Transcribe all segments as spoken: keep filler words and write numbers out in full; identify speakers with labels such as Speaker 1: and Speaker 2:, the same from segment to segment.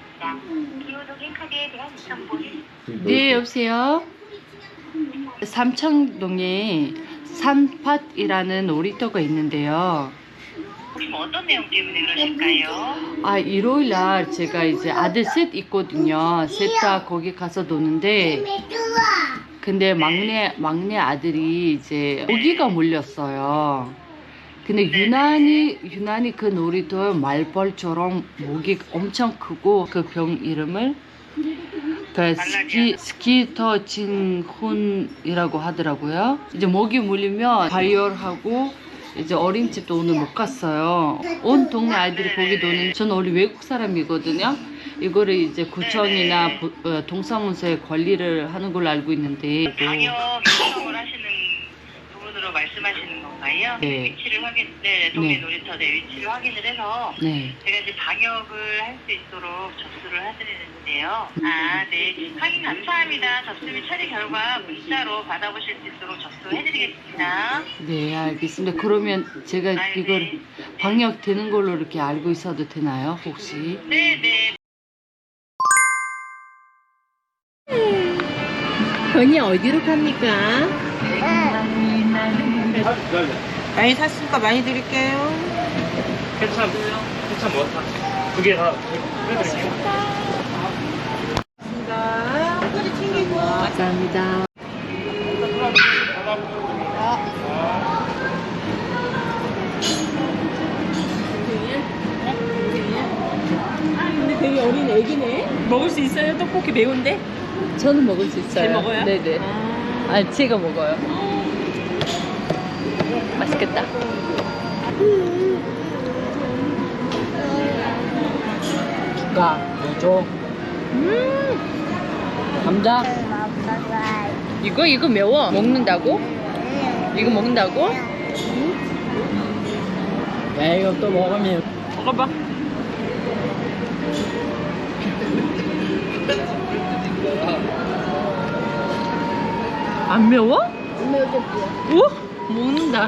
Speaker 1: 기호동행 카드에 대한 정보는
Speaker 2: 네, 여보세요? 삼청동에 산팟이라는 놀이터가 있는데요.
Speaker 1: 혹시 뭐 어떤 내용 때문에 그러실까요?
Speaker 2: 아, 일요일 날 제가 이제 아들 셋 있거든요. 셋 다 거기 가서 노는데, 근데 막내, 막내 아들이 이제 모기가 물렸어요. 근데 유난히, 유난히 그 놀이터에 말벌처럼 모기 엄청 크고 그 병 이름을 그 스키, 스키터 진훈이라고 하더라고요. 이제 모기 물리면 발열하고 이제 어린이집도 오늘 못 갔어요. 온 동네 아이들이 거기 노는, 저는 원래 외국 사람이거든요. 이거를 이제 구청이나 부, 어, 동사무소에 관리를 하는 걸로 알고 있는데.
Speaker 1: 방역 요청을 하시는 부분으로 말씀하시는 건가요?
Speaker 2: 네.
Speaker 1: 위치를 확인, 네, 동네
Speaker 2: 네.
Speaker 1: 놀이터 내 위치를 확인을 해서
Speaker 2: 네.
Speaker 1: 제가 이제 방역을 할 수 있도록 접수를 해드리는데요. 아, 네. 확인 감사합니다. 접수 및 처리 결과 문자로 받아보실 수 있도록 접수해드리겠습니다.
Speaker 2: 네, 알겠습니다. 그러면 제가
Speaker 1: 아,
Speaker 2: 이걸
Speaker 1: 네.
Speaker 2: 방역 되는 걸로 이렇게 알고 있어도 되나요, 혹시?
Speaker 1: 네, 네.
Speaker 3: 건이 어디로 갑니까? 많이 샀으니까 많이 드릴게요.
Speaker 4: 케찹, 케찹 뭐 사? 두 개 다 해드릴게요.
Speaker 3: 감사합니다. 꼬리 챙기고.
Speaker 2: 감사합니다.
Speaker 3: 근데 되게 어린 애기네. 먹을 수 있어요? 떡볶이 매운데?
Speaker 2: 저는 먹을 수 있어요.
Speaker 3: 잘 먹어요?
Speaker 2: 네네.
Speaker 3: 아.
Speaker 2: 아, 제가 먹어요. 맛있겠다.
Speaker 5: 줄까? 뭐 줘?
Speaker 2: 음,
Speaker 5: 감자?
Speaker 2: 이거 이거 매워. 먹는다고? 이거 먹는다고?
Speaker 5: 야, 이거 또 먹으면
Speaker 2: 먹어봐. 안 매워? 안 매워. 오? 먹는다.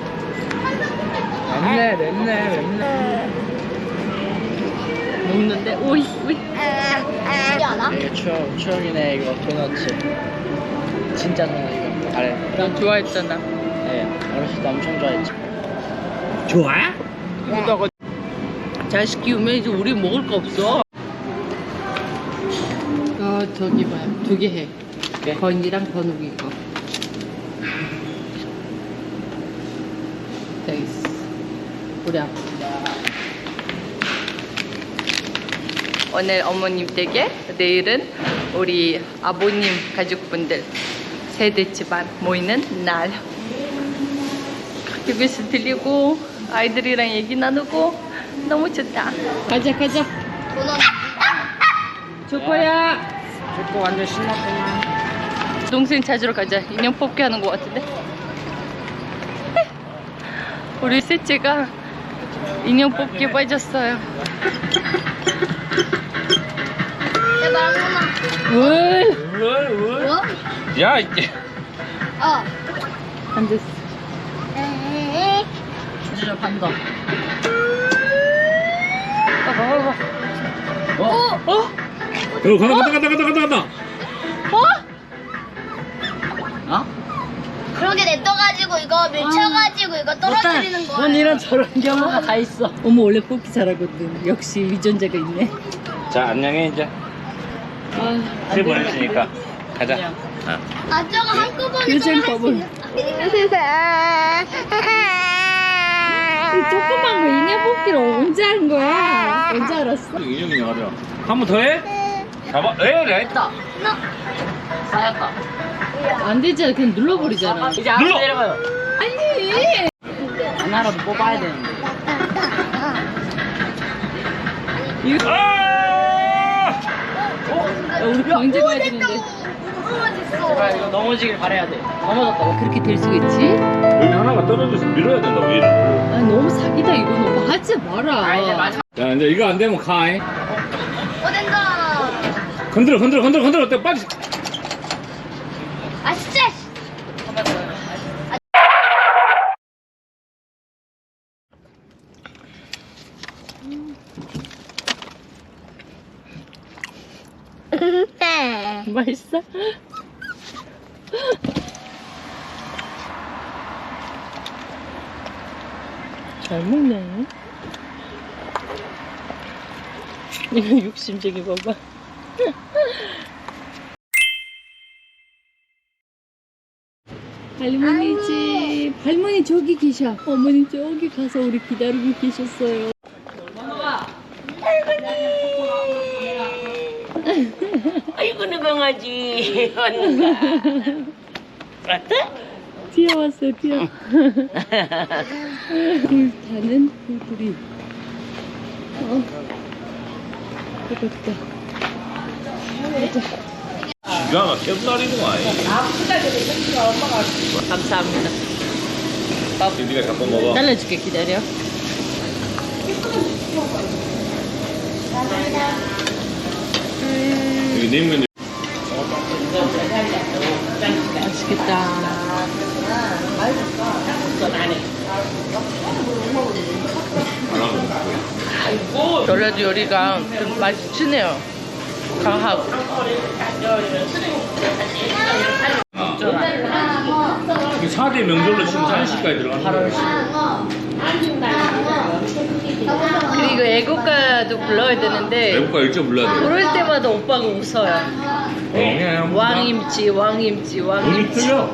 Speaker 5: 맵네, 맵네, 맵네.
Speaker 2: 먹는데? 오이, 오이.
Speaker 5: 이게 추억, 추억이네, 이거 도넛츠. 진짜 도넛 이거. 잘해.
Speaker 2: 난 좋아했잖아.
Speaker 5: 네, 어렸을 때 엄청 좋아했지. 좋아?
Speaker 2: 이거다가 자식 키우면 이제 우리 먹을 거 없어. 어, 저기 봐요. 두 개 해.
Speaker 5: 네.
Speaker 2: 건이랑 건욱이 거. 됐어. 우리 아빠. 오늘 어머님 댁에, 내일은 우리 아버님 가족분들 세대 집안 모이는 날. 큐비스 들리고 아이들이랑 얘기 나누고 너무 좋다. 가자 가자. 초코야.
Speaker 5: 좋고 완전 신났구만.
Speaker 2: 동생 찾으러 가자. 인형 뽑기 하는 것 같은데. 우리 셋째가 인형 뽑기에 빠졌어요. 왜?
Speaker 4: 왜, 왜?
Speaker 6: 뭐?
Speaker 4: 야, 이게.
Speaker 6: 어.
Speaker 2: 안 됐어.
Speaker 5: 진짜 판다.
Speaker 2: 어? 어?
Speaker 4: 어, 간다, 간다, 간다, 간다, 간다, 간다.
Speaker 2: 어?
Speaker 5: 어?
Speaker 6: 그렇게 냅둬가지고 이거 밀쳐가지고 이거 떨어뜨리는 거야.
Speaker 5: 넌 이런 저런 경우가 다 있어.
Speaker 2: 어머 원래 뽑기 잘하거든. 역시 유전자가 있네.
Speaker 4: 자, 안녕해, 이제.
Speaker 2: 아,
Speaker 4: 새 보냈으니까. 가자.
Speaker 5: 안녕.
Speaker 4: 어.
Speaker 6: 아 저거 한꺼번에
Speaker 2: 요즘 법은 조그만 거 인형 뽑기를 언제 한 거야? 언제 알았어?
Speaker 4: 인형이 어려. 한 번 더 해? 잡아. 에이, 했다.
Speaker 5: 쌓였다.
Speaker 2: 안 되잖아. 그냥 눌러버리잖아.
Speaker 5: 이제 알아서
Speaker 4: 눌러!
Speaker 5: 내려가요.
Speaker 2: 아니.
Speaker 5: 하나라도 뽑아야 되는데.
Speaker 2: 이거
Speaker 4: 아!
Speaker 2: 야, 우리 경제 가야 되는데.
Speaker 5: 제발 이거 넘어지길 바래야 돼. 넘어졌다.
Speaker 2: 그렇게 될 수가 있지?
Speaker 4: 여기 하나가 떨어져서 밀어야 된다고, 얘를.
Speaker 2: 아 너무 사기다 이거는. 오빠 하지 마라.
Speaker 5: 아, 이제 마지막.
Speaker 4: 자, 이제 이거 안 되면 가. 잉.
Speaker 6: 어딘가.
Speaker 4: 건드려, 건드려, 건드려, 건드려. 또 빨리.
Speaker 6: 아 진짜.
Speaker 2: 맛있어? 잘 먹네. 이거 욕심쟁이 봐봐. 할머니 집. 할머니 저기 계셔. 어머니 저기 가서 우리 기다리고 계셨어요.
Speaker 3: 아이고 내 강아지. 왔는가? 왔다?
Speaker 2: 뛰어왔어요, 뛰어. 불타는 불들이. 어, 뜨겁다.
Speaker 7: 기가 막혀 쌀이구만.
Speaker 2: 감사합니다.
Speaker 7: 네가 갖고 먹어.
Speaker 2: 잘라줄게, 기다려.
Speaker 7: 여기 냉면.
Speaker 2: 맛있겠다. 전라도 요리가 좀 맛이 진해요. 강하고.
Speaker 7: 사 대 명절로 치면 한식까지 들어가는 거야.
Speaker 2: 그리고 애국가도 불러야 되는데
Speaker 7: 외국가 일찍 불러야 돼.
Speaker 2: 부를 때마다 오빠가 웃어요.
Speaker 7: 어,
Speaker 2: 왕임치, 왕임치,
Speaker 7: 눈이
Speaker 2: 왕임치.
Speaker 7: 틀려.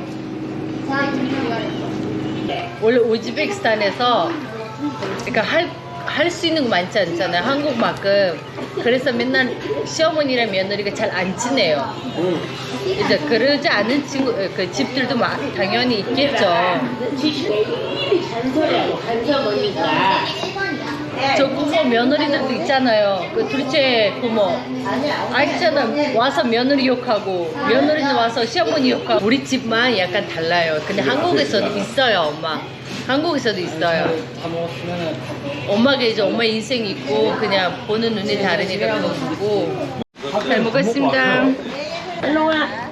Speaker 2: 원래 우즈베키스탄에서 그러니까 할 할 수 있는 거 많지 않잖아요. 한국만큼. 그래서 맨날 시어머니랑 며느리가 잘 안 지내요. 이제 그러지 않은 친구 그 집들도 마, 당연히 있겠죠. 저 부모 며느리들도 있잖아요. 그 둘째 부모 알잖아. 와서 며느리 욕하고 며느리는 와서 시어머니 욕하고. 우리 집만 약간 달라요. 근데 한국에서도 있어요, 엄마. 한국에서도 있어요.
Speaker 5: 다 먹었으면은
Speaker 2: 엄마가 이제 엄마 인생 있고 그냥 보는 눈이 다르니까 그런 거고. 잘 먹었습니다. 일로와.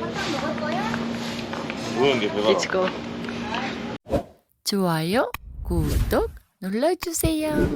Speaker 7: 그런 게 배가.
Speaker 2: Let's go. 좋아요, 구독 눌러주세요.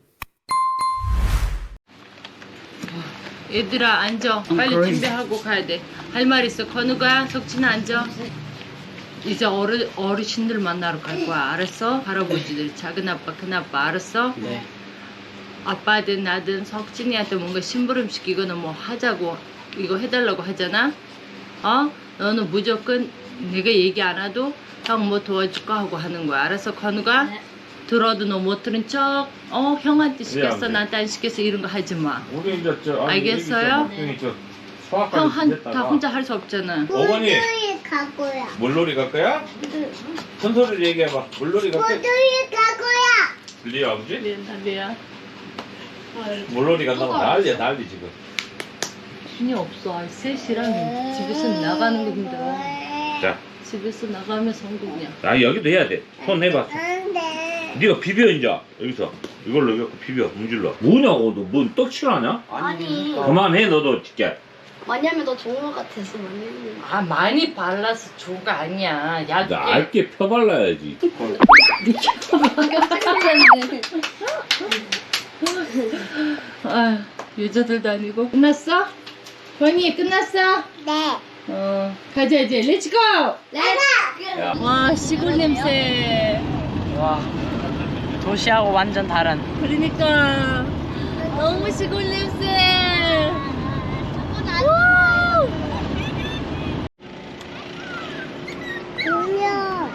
Speaker 2: 얘들아 앉아. 빨리 준비하고 가야 돼. 할 말 있어. 건우가, 석진아 앉아. 이제 어르, 어르신들 만나러 갈 거야. 알았어? 할아버지들, 작은 아빠, 큰 아빠. 알았어?
Speaker 5: 네.
Speaker 2: 아빠든 나든 석진이한테 뭔가 심부름 시키거나 뭐 하자고 이거 해달라고 하잖아. 어? 너는 무조건 내가 얘기 안 해도 형 뭐 도와줄까 하고 하는 거야. 알았어? 건우가? 들어도 너 못 들은 척, 어 형한테 시켰어,
Speaker 7: 안 돼?
Speaker 2: 나한테 안 시켰어, 이런 거 하지 마.
Speaker 7: 우리 이제 저 아니,
Speaker 2: 알겠어요?
Speaker 7: 여기 저
Speaker 2: 형
Speaker 7: 소아까지
Speaker 2: 한 다
Speaker 7: 됐다가.
Speaker 2: 혼자 할 수 없잖아.
Speaker 7: 어머니
Speaker 6: 갈 거야.
Speaker 7: 물놀이 갈 거야? 큰 소리로 얘기해봐. 물놀이 갈 거야?
Speaker 6: 모두리 갈 거야.
Speaker 7: 들려 아버지?
Speaker 2: 미안, 미안.
Speaker 7: 물놀이 간다고 난리야 난리 지금.
Speaker 2: 힘이 없어. 셋이랑 집에서 나가는 거 힘들어.
Speaker 7: 자,
Speaker 2: 집에서 나가면 성공이야.
Speaker 7: 아 여기도 해야 돼. 손 해봐.
Speaker 6: 안 돼.
Speaker 7: 네가 비벼 이제 여기서 이걸로 이렇게 비벼 문질러. 뭐냐고 너뭔 떡칠하냐?
Speaker 6: 아니.
Speaker 7: 그만해 너도 진짜.
Speaker 6: 왜냐면 너 좋은 것 같아서 왜냐면.
Speaker 2: 아 많이 발라서 좋가 아니야. 얇게.
Speaker 7: 얇게 펴발라야지.
Speaker 2: 아 여자들도 아니고. 끝났어? 권이 끝났어?
Speaker 6: 네.
Speaker 2: 어 가자 이제. 렛츠고.
Speaker 6: 내가.
Speaker 2: 와 시골 냄새.
Speaker 5: 와 도시하고 완전 다른.
Speaker 2: 그러니까 너무 시골 냄새.
Speaker 6: 돈이야.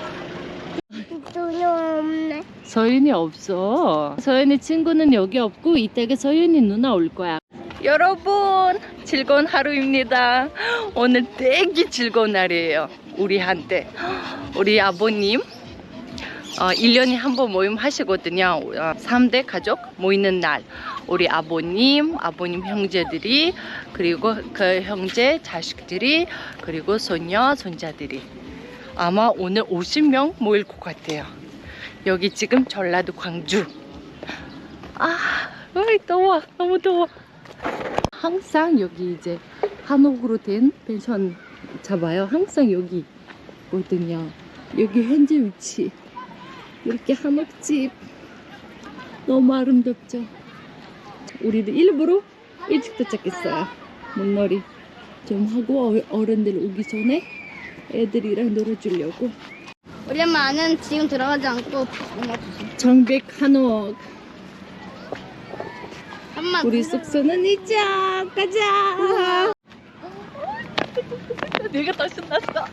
Speaker 6: 돈이 없네.
Speaker 2: 서윤이 없어. 서윤이 친구는 여기 없고 이따가 서윤이 누나 올 거야. 여러분 즐거운 하루입니다. 오늘 되게 즐거운 날이에요. 우리한테. 우리 아버님 어, 일 년에 한 번 모임 하시거든요. 어, 삼 대 가족 모이는 날. 우리 아버님, 아버님 형제들이, 그리고 그 형제 자식들이, 그리고 손녀, 손자들이. 아마 오늘 오십 명 모일 것 같아요. 여기 지금 전라도 광주. 아, 어이, 더워. 너무 더워. 항상 여기 이제 한옥으로 된 펜션 잡아요. 항상 여기 있거든요. 여기 현재 위치. 이렇게 한옥집. 너무 아름답죠? 우리도 일부러 일찍 도착했어요. 물놀이 좀 하고 어- 어른들 오기 전에 애들이랑 놀아주려고.
Speaker 6: 우리 엄마는 지금 들어가지 않고 엄마 주세요.
Speaker 2: 정백 한옥.
Speaker 6: 엄마
Speaker 2: 우리 숙소는 이쪽 가자. 내가 더 신났어.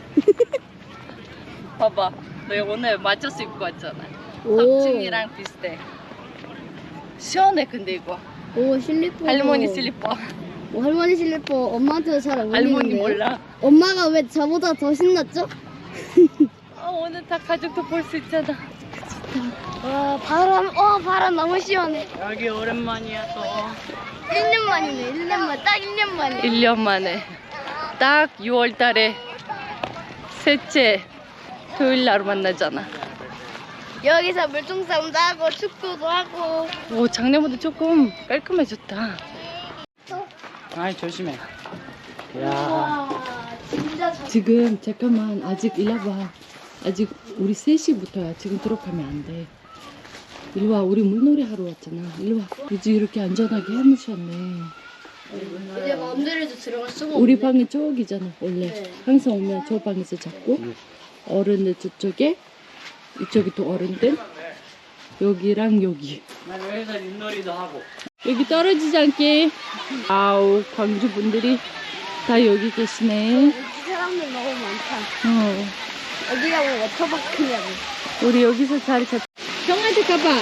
Speaker 2: 봐봐, 너 오늘 맞춰서 입고 왔잖아.
Speaker 6: 오.
Speaker 2: 삼층이랑 비슷해. 시원해 근데 이거.
Speaker 6: 오 슬리퍼.
Speaker 2: 할머니 슬리퍼.
Speaker 6: 오, 할머니 슬리퍼 엄마한테 잘 어울리는데.
Speaker 2: 할머니 몰라.
Speaker 6: 엄마가 왜 저보다 더 신났죠?
Speaker 2: 아, 오늘 다 가족도 볼 수 있잖아.
Speaker 6: 와 바람, 와 바람 너무 시원해.
Speaker 2: 여기 오랜만이야 또.
Speaker 6: 일 년 만이네. 일 년 만, 딱 일 년 만에.
Speaker 2: 일 년 만에. 딱 유월 달에 셋째 토요일 날 만나잖아.
Speaker 6: 여기서 물총싸움도 하고 축구도 하고.
Speaker 2: 오, 작년보다 조금 깔끔해졌다.
Speaker 5: 아이 조심해. 야.
Speaker 6: 와 진짜 잘.
Speaker 2: 지금 잠깐만, 아직 일로 와봐. 아직 우리 세 시부터야. 지금 들어가면 안 돼. 일로 와, 우리 물놀이 하러 왔잖아. 일로 와. 이제 이렇게 안전하게 해놓으셨네.
Speaker 6: 이제 마음대로도 들어갈 수가
Speaker 2: 우리
Speaker 6: 없네.
Speaker 2: 방이 저기잖아 원래.
Speaker 6: 네.
Speaker 2: 항상 오면 저 방에서 잡고 어른들 저쪽에, 이쪽이 또 어른들, 여기랑 여기.
Speaker 5: 난 여기서 윷놀이도 하고.
Speaker 2: 여기 떨어지지 않게. 아우, 광주 분들이 다 여기 계시네.
Speaker 6: 여기 사람들 너무 많다.
Speaker 2: 어.
Speaker 6: 어디가 뭐 워터파크냐고.
Speaker 2: 우리 여기서 자리 잡. 형한테 가봐.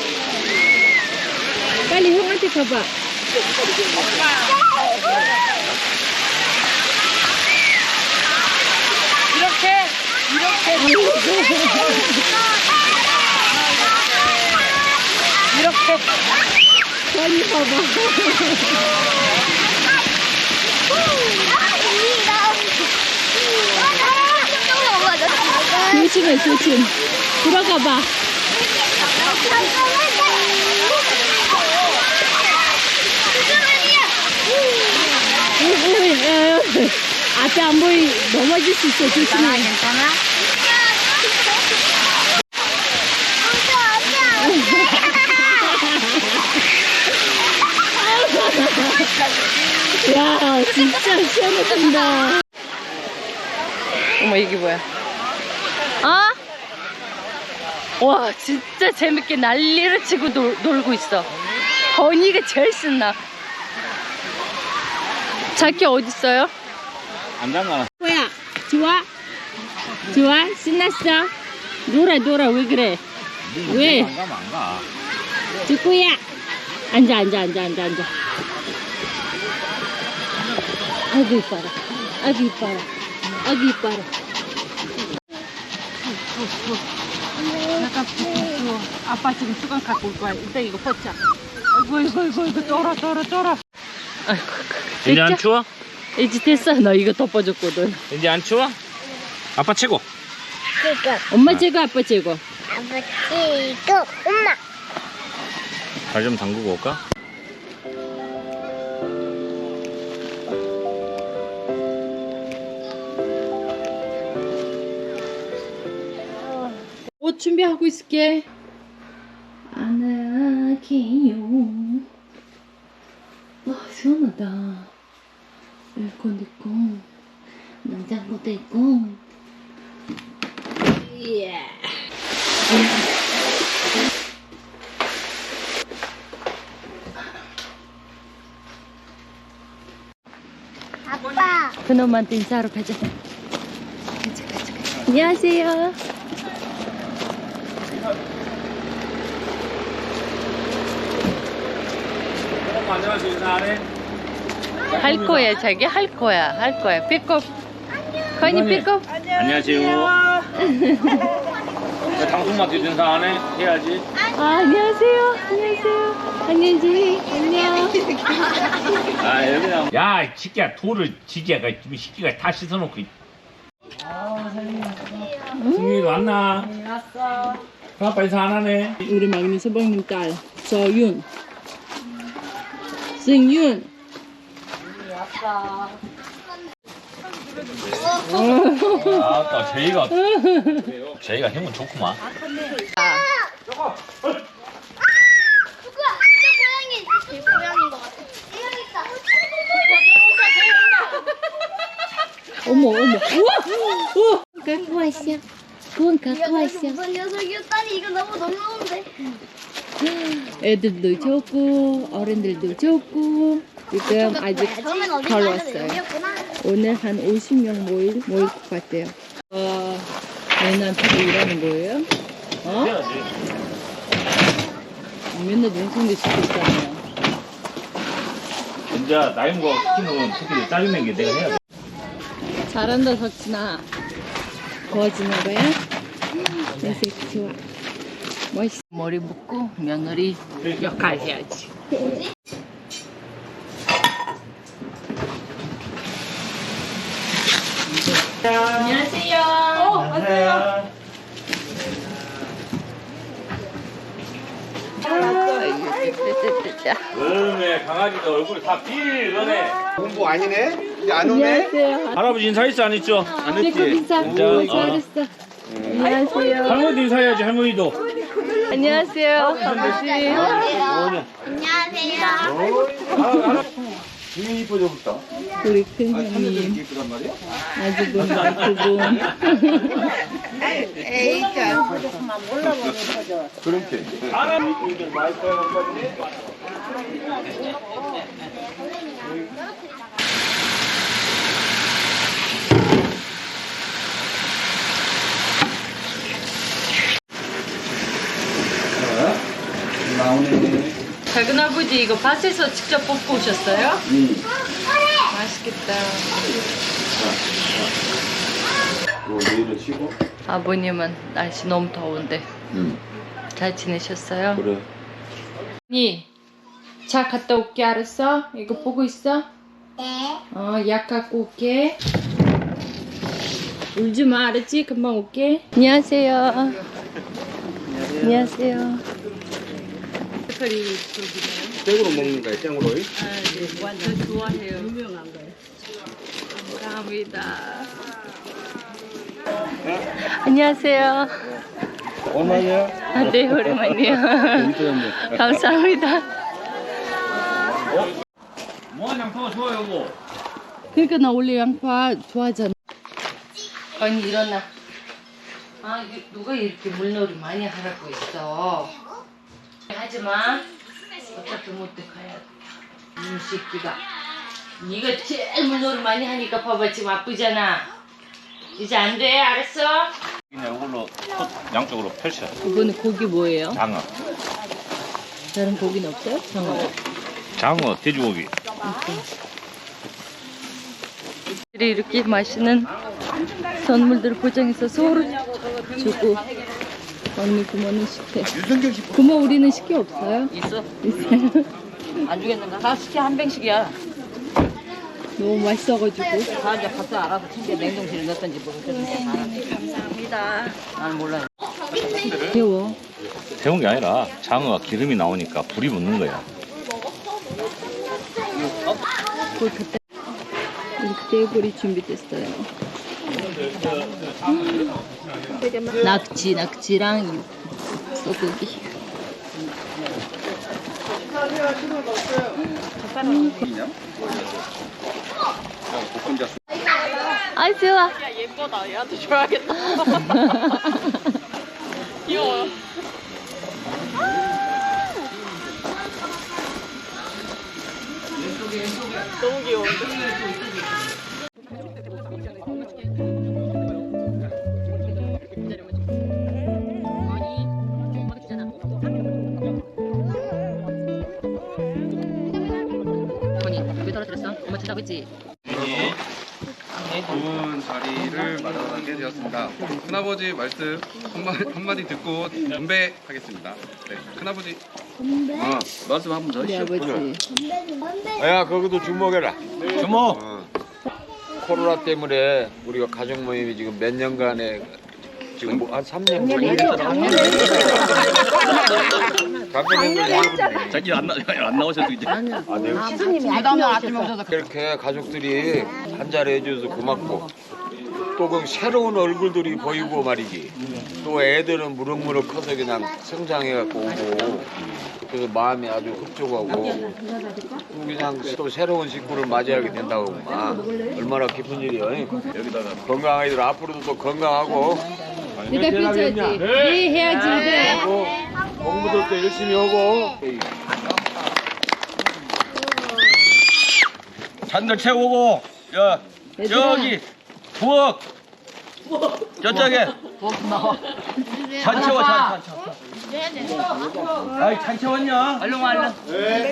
Speaker 2: 빨리 형한테 가봐. 이렇게 이렇게 이렇게 빨리 봐봐. 조심해, 조심. 들어가봐. 앞에 안 보이, 넘어질 수 있어. 조심해. 괜찮아? 야, 진짜 시원해진다. 어머, 이게 뭐야? 어? 와, 진짜 재밌게 난리를 치고 놀, 놀고 있어. 건이가 제일 신나. 자기 어딨어요?
Speaker 7: 안 잠가나.
Speaker 2: 뭐야? 좋아? 좋아? 신났어? 놀아, 놀아. 왜 그래? 왜?
Speaker 7: 안 가면 안 가.
Speaker 2: 주꾸야. 앉아, 앉아, 앉아, 앉아, 앉아. 아이고, 이뻐라. 아이고, 이뻐라. 아이고, 이뻐라. 잠깐 부끄러워. 아빠 지금 수건 갖고 올 거야. 이따 이거 벗자. 아이고, 아이고, 아이고, 아이고, 떨어, 떨어, 떨어. 아이고,
Speaker 7: 이제 안
Speaker 2: 됐죠?
Speaker 7: 추워?
Speaker 2: 이제 됐어. 너 이거 덮어줬거든.
Speaker 7: 이제 안 추워? 아빠 최고.
Speaker 6: 그니까
Speaker 2: 엄마 제거, 아빠 제거.
Speaker 6: 아버지 또 엄마.
Speaker 7: 발 좀 담그고 올까?
Speaker 2: 옷 준비하고 있을게. 안아게요. 아, 시원하다. 에어컨도 있고, 냉장고도 있고. 예.
Speaker 6: 아빠.
Speaker 2: 그놈한테 인사하러 가자. 가자, 가자, 가자. 안녕하세요.
Speaker 7: 안녕하세요. 인사하네.
Speaker 2: 할 거야, 자기 할 거야, 할 거야. 삐껍. 건이 삐껍.
Speaker 7: 안녕하세요. 방송 맡아 인사하네. 해야지.
Speaker 2: 아, 안녕하세요. 안녕하세요. 안녕히 안녕.
Speaker 7: 아 여기는. 야, 새끼야 돌을 지지야가 지금 새끼가 다 씻어놓고. 승민이 왔나? 왔어. 아빠 인사 안 하네.
Speaker 2: 우리 막내 서방님 딸 서윤, 승윤.
Speaker 7: 아따 제이가 제이가 힘은 좋구만.
Speaker 6: 누구야? 저 고양이 제 고양인 것 같아. 여기 있다.
Speaker 2: 어머 어머. 우와 우와. 갖고 왔어. 그건 갖고 왔어.
Speaker 6: 무슨 녀석이었다니 이거 너무 놀라운데.
Speaker 2: 애들도 좋고 어른들도 좋고 지금 아직
Speaker 6: 처음엔 어디
Speaker 2: 덜
Speaker 6: 가서
Speaker 2: 왔어요.
Speaker 6: 여기였구나.
Speaker 2: 오늘 한 오십 명 모일 모일 것 같아요. 어, 얘한테도 일하는 거예요? 어? 맨날 농성도 시키고 있잖아요.
Speaker 7: 이제 나이 먹어 시키는 새끼들 짜증낸 게 내가 해야 돼.
Speaker 2: 잘한다 석진아. 도와주는 거야? 내 새끼 좋아. 멋있어. 머리 묶고 며느리 역할 해야지. 안녕하세요. 어,
Speaker 7: 안녕하세요. 그러네 강아지가 얼굴이 다 비리네.
Speaker 8: 공부 아니네? 이제 안 오네?
Speaker 2: 안녕하세요.
Speaker 7: 할아버지 인사했어 안 했죠?
Speaker 8: 안
Speaker 2: 피크
Speaker 8: 했지?
Speaker 2: 인사.
Speaker 7: 진짜?
Speaker 2: 오,
Speaker 7: 어.
Speaker 2: 잘했어. 안녕하세요.
Speaker 7: 할머니 인사해야지 할머니도.
Speaker 2: 안녕하세요. 아버지.
Speaker 6: 안녕하세요.
Speaker 8: 되게 이뻐져부터.
Speaker 2: 우리 큰 형님.
Speaker 8: 이쁘단 말이야?
Speaker 2: 아주분, 아주분.
Speaker 8: 그렇게. 나오네.
Speaker 2: 작은 아버지 이거 밭에서 직접 뽑고 오셨어요?
Speaker 8: 응.
Speaker 2: 맛있겠다.
Speaker 8: 이거 내일을 치고.
Speaker 2: 아버님은 날씨 너무 더운데
Speaker 8: 응.
Speaker 2: 잘 지내셨어요?
Speaker 8: 그래.
Speaker 2: 언니, 차 갔다 올게. 알았어? 이거 보고 있어?
Speaker 6: 네.
Speaker 2: 어, 약 갖고 올게. 울지 마, 알았지? 금방 올게. 안녕하세요. 안녕하세요. 색깔이 저기네요.
Speaker 8: 생으로 먹는 거야, 생으로?
Speaker 2: 아, 네. 완전 좋아해요. 유명한 거예요. 감사합니다. 안녕하세요.
Speaker 8: 얼마냐?
Speaker 2: 아, 네, 오랜만이에요. 감사합니다.
Speaker 7: 뭐한 양파가 좋아 여보.
Speaker 2: 그러니까 나 원래 양파 좋아하잖아. 언니 일어나. 아, 이게 누가 이렇게 물놀이 많이 하라고 했어. 하지마. 어차피 못해 가야 돼. 이 새끼가. 네가 제일 물놀이 많이 하니까 봐봐 지금 아프잖아. 이제 안 돼, 알았어?
Speaker 7: 그냥 이걸로 tot 양쪽으로 펼쳐.
Speaker 2: 이거는 고기 뭐예요?
Speaker 7: 장어.
Speaker 2: 다른 고기는 없어요? 장어.
Speaker 7: 장어, 돼지고기.
Speaker 2: 이렇게 맛있는 선물들을 포장해서 서로 주고 언니 부모는 식혜. 부모 우리는 식혜 없어요?
Speaker 3: 있어.
Speaker 2: 있어요?
Speaker 3: 안 주겠는가? 다 시켜 한 병씩이야.
Speaker 2: 너무 맛있어가지고.
Speaker 3: 다 이제 각자 알아서 챙겨 냉동실에 넣었던지 뭐 그렇게 알아. 감사합니다. 나는 몰라요.
Speaker 2: 매워.
Speaker 7: 데운 게 아니라 장어가 기름이 나오니까 불이 붙는 거야.
Speaker 2: 그 그때 이렇게 테이블이 준비됐어요. 낙지, 낙지랑 소고기. 아 좋아.
Speaker 3: 예뻐다. 얘한테 줘야겠다. 귀여워. 너무 귀여운데?
Speaker 2: 언니 왜 떨어뜨렸어? 엄마 찾아고 있지?
Speaker 9: 좋은 자리를 마련하게 되었습니다. 큰아버지 말씀 한마디, 한마디 듣고 건배하겠습니다. 네, 큰아버지.
Speaker 8: 어, 말씀 한번 더
Speaker 2: 우리
Speaker 8: 해줘.
Speaker 2: 아버지.
Speaker 8: 야, 거기도 주먹해라.
Speaker 7: 주모.
Speaker 8: 어. 코로나 때문에 우리가 가족 모임이 지금 몇 년간에 지금 뭐 한 삼 년 걸렸잖아. 작년에 걸렸잖아.
Speaker 9: 자기 안, 나, 안 나오셔도 이제.
Speaker 8: 아, 내가 이렇게 가족들이 한 자리 해줘서 고맙고 또 그 새로운 얼굴들이 보이고 말이지. 또 애들은 무럭무럭 커서 그냥 성장해갖고 오고 그래서 마음이 아주 흡족하고 그냥 또 새로운 식구를 맞이하게 된다고 막 얼마나 기쁜 일이야. 여기다가 건강하기들 앞으로도 또 건강하고
Speaker 2: 내가 삐쳐야지. 네, 해야지. 그래.
Speaker 8: 그리고 공부도 또 열심히 하고
Speaker 5: 잔들 채우고 야 저기 부엌 저쪽에 잔 채워 잔 채워 아이 잔 채웠냐?
Speaker 3: 얼른 와 얼른.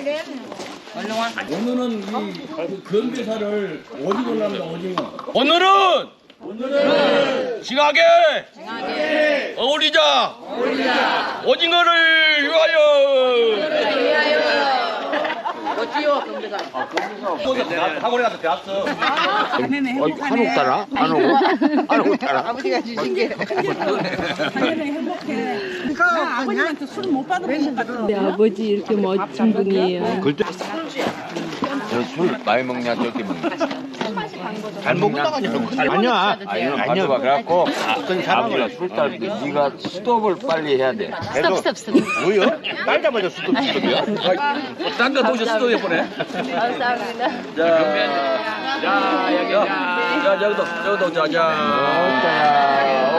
Speaker 5: 오늘은 이 건배사를 오징어로 합니다 오징어 오늘은 오늘은 징하게 징하게 어울리자 어울리자 오징어를 위하여
Speaker 3: 어찌요 건배사.
Speaker 5: 학원에 가서 배웠어
Speaker 8: 한옥 따라? 한옥? 한옥 따라?
Speaker 3: 아버지가 주신 게.
Speaker 2: 내 아버지 이렇게 멋진 분이에요.
Speaker 8: 그때 술 많이 먹냐 적게 먹냐? 잘 먹냐? 아니야 아니야 아니야 그래갖고 아버지가 술 딸 때 네가 스톱을 빨리 해야 돼.
Speaker 2: 스톱 스톱 스톱.
Speaker 8: 뭐요? 딸자마자 스톱 스톱이야?
Speaker 5: 딴데 도시 수도 예쁘네
Speaker 2: 감사합니다.
Speaker 5: 자, 자, 여기, 자, 여기도, 여기도, 자, 자.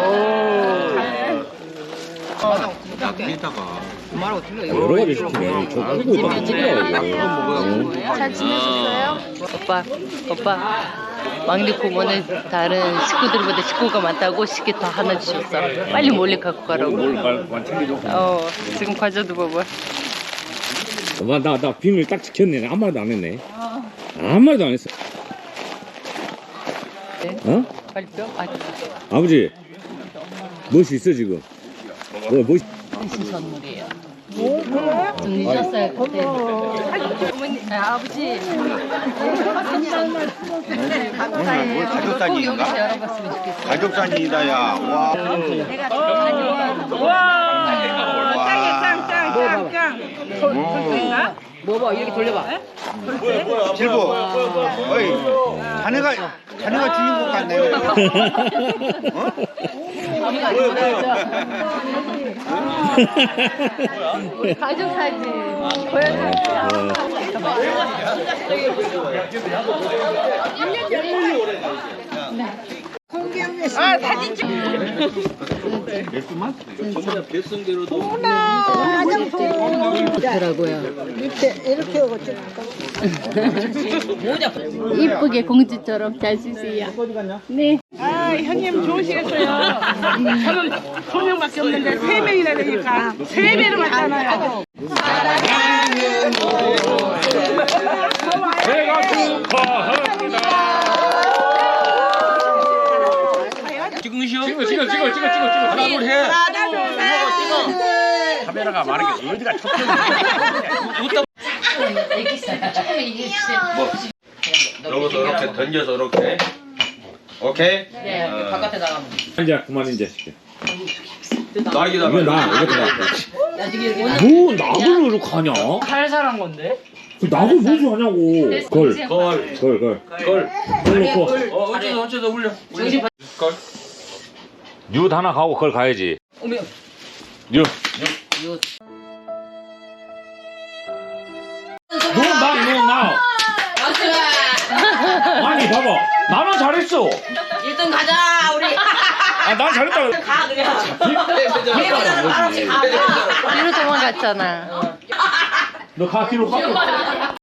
Speaker 7: 여러 가지 시키네. 저 끄고 있다 찍으라고.
Speaker 2: 잘 지내셨어요? 오빠, 오빠. 막내 고모는 다른 식구들보다 식구가 많다고 식기 더 하나 주셨어. 빨리 몰래 갖고 가라고.
Speaker 7: 뭘 챙겨줘.
Speaker 2: 어, 지금 과자도 봐봐.
Speaker 7: 엄마 나, 나 비밀 딱 지켰네. 아무 말도 안 했네. 아무 말도 안 했어. 어?
Speaker 2: 빨리 뼈? 아,
Speaker 7: 아버지 멋이 있어 지금. 뭐 멋.
Speaker 2: 무슨 선물이에요? 좀 늦었어요 그때. 어머니, 아, 아버지. 감사해요. 꼭 여기서 열어봤으면 좋겠어요.
Speaker 8: 가족사진이다 야. 와.
Speaker 3: 뭐봐 이렇게 돌려봐.
Speaker 8: 질보. 어이. 자네가 자네가 주인공 같네. 어?
Speaker 2: 우리 가족 사진 보여드릴게요. 더라고요. 이쁘게 공주처럼 잘 쓰세요. 네.
Speaker 10: 아, 형님 좋으시겠어요. 저는 두 명밖에 없는데 세 명이나 되니까 세 배로 왔잖아요.
Speaker 7: 제가 축하합니다.
Speaker 5: 지금 쉬어?
Speaker 7: 찍어 찍어 찍어 찍어 찍어 찍어.
Speaker 5: 하나, 둘, 해.
Speaker 7: 카메라가 많은 게 어디가 촉촉해.
Speaker 5: 여기서 이렇게 던져서 이렇게. 오케이?
Speaker 3: 네 바깥에 나가면.
Speaker 7: 이제 그만 이제.
Speaker 5: 나이다.
Speaker 7: 이거 나 이거 나. 뭐 나도 이렇게 하냐?
Speaker 3: 살살한 건데.
Speaker 7: 그 나도 무슨 하냐고. 걸.
Speaker 5: 걸.
Speaker 7: 걸 걸.
Speaker 5: 걸.
Speaker 7: 걸 놓고.
Speaker 5: 어, 어쩌다 어쩌다 올려.
Speaker 3: 정신 바.
Speaker 5: 걸.
Speaker 7: 뉴 하나 가고 걸 가야지.
Speaker 3: 어머.
Speaker 7: 뉴.
Speaker 3: 요.
Speaker 7: 너나 너 나. 아니 봐봐. 나는 잘했어.
Speaker 3: 일 등 가자 우리.
Speaker 7: 아 난 잘했다.
Speaker 3: 가 그냥.
Speaker 2: 뒤로 도망갔잖아.
Speaker 7: 너 가 뒤로 가.